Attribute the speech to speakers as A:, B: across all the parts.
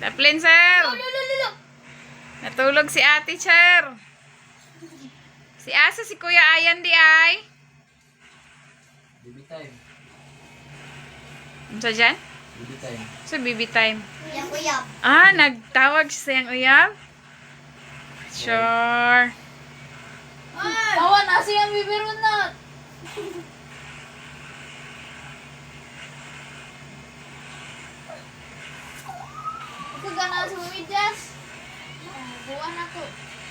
A: Taplin, sir. Natulog si ate, sir. Si Asa, si Kuya Ayan di ay.
B: Baby time.
A: Ano sa dyan?
B: Baby time.
A: So, baby time.
C: Yang uyab.
A: Ah, nagtawag siya sa yang uyab? Sure.
C: Tawa na siyang bibiro na. Ako gana sa medyas. Buwan ako.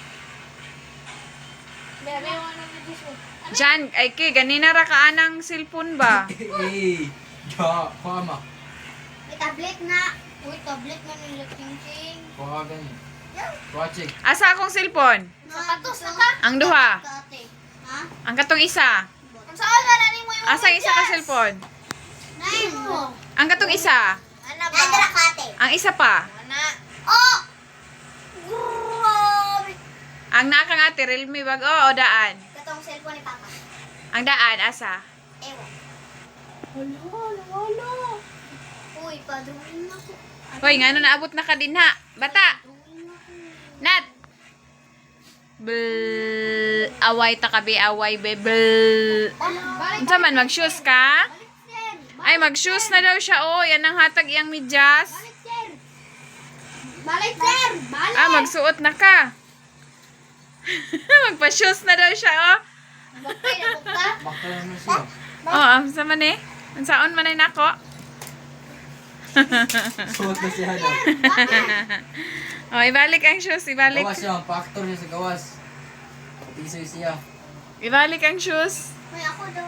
C: Bebe, ano medyas mo?
A: Jan, ay kay, ganina ra ka anang cellphone ba?
B: Hey! Ja, kama.
C: May tablet na. Uy, tablet na nila ting-ting.
B: Kuha gani. Watching.
A: Asa akong cellphone?
C: Sapatos na ka?
A: Ang duha.
C: Kate. Ha?
A: Ang katong isa.
C: Ang saan na nani mo yung
A: Asa isa ka cellphone?
C: Nine mo.
A: Ang katong isa.
C: Ano ba? Nandra kate.
A: Ang isa pa.
C: Ana. Oh! Grabe.
A: Ang naka nga, Realme bag o daan.
C: Katong cellphone ni Papa.
A: Ang daan, asa.
C: Ewan. Hala. Uy, padungin na ko.
A: Hoy, nga naabot na ka din ha. Bata. Nat. Bl. Away ta kabi, away be. Bl. Unsa man, mag-shoes ka? Ay, mag-shoes na daw siya. Oh, yan ang hatag iyang medyas.
C: Balik, sir! Balik!
A: Ah, magsuot na ka. Magpa-shoes na daw siya, oh.
C: Bakit na ka?
B: Bakta naman siya.
A: Oh, asa man eh? Ang saon man ay nako?
B: Suot na siya daw.
A: Oh, ibalik ang shoes, ibalik.
B: Gawas siya. Pa-actor siya sa gawas. Tisoy siya.
A: Ibalik ang shoes.
C: May ako daw.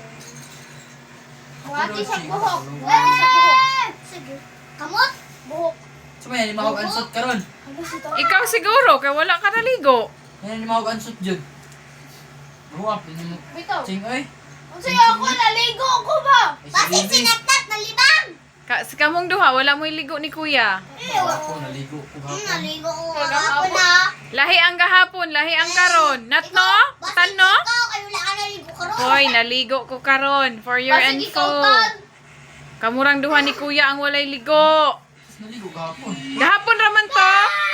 B: Buhati sa
C: buhok. Buhati sa buhok. Sige. Kamot? Buhok.
B: Sumaya, hindi mahawag ansot ka ron.
A: Ikaw siguro, kaya wala ka naligo.
B: Yan, hindi mahawag ansot dyan. Buwap, hindi mo.
C: Bito.
B: Ching, oy.
C: Ang sayo ako, naligo ko ba?
B: Ay, si
C: Bakit
B: baby.
C: sinattat na libang?
A: Sa kamong duha, wala mo iligo ni kuya.
B: Ako, naligo ko hapon.
C: Naligo ko ako na.
A: Lahi ang gahapon, lahi ang karon. Nat no? Tan no?
C: Ikaw, kayo wala ka naligo ka ron.
A: Hoy, naligo ko karon for your
C: Basig ikaw,
A: info.
C: Tan.
A: Kamurang duha ni kuya ang walay ligo.
B: Naligo ka hapon.
A: Gahapon raman to.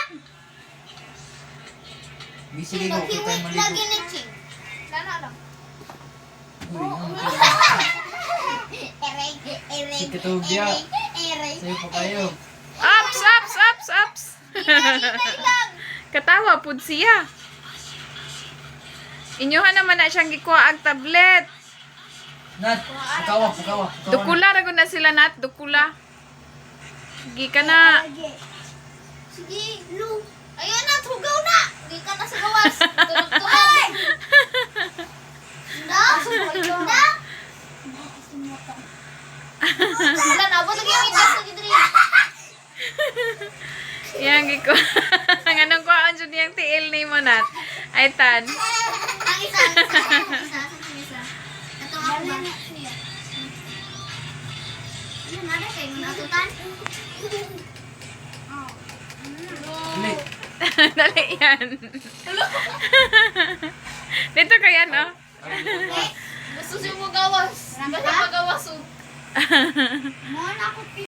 B: Busy ligo, kita yung
C: Lagi
B: maligo.
C: na ching. Lana.
B: Uy, ano ka?
C: Eray.
B: Si Katugya.
C: Eray.
B: Sa'yo po kayo.
A: Ups. Katawa pud siya. Inyohan naman na siyang gikuha ang tablet.
B: Nat, pukawa.
A: Dukula ra gud na sila nat, dukula. Gi ka na.
C: Sige, Lu. Ayun na, tugaw na. Hindi ka na sa gawas. Tulog-tulog. Na? Wala na, abot lagi yung itas na gidri.
A: Yang giko. Nganong kuhaan jud yang tiil ni mo nat. Ay tan.
C: Ang isa. Ito ako ba? Ano na rin kayo natutan?
B: Ulit.
A: Dali yan. Dito ka yan, oh.
C: Gusto siya mo gawas. Basta magawas. Mo na ako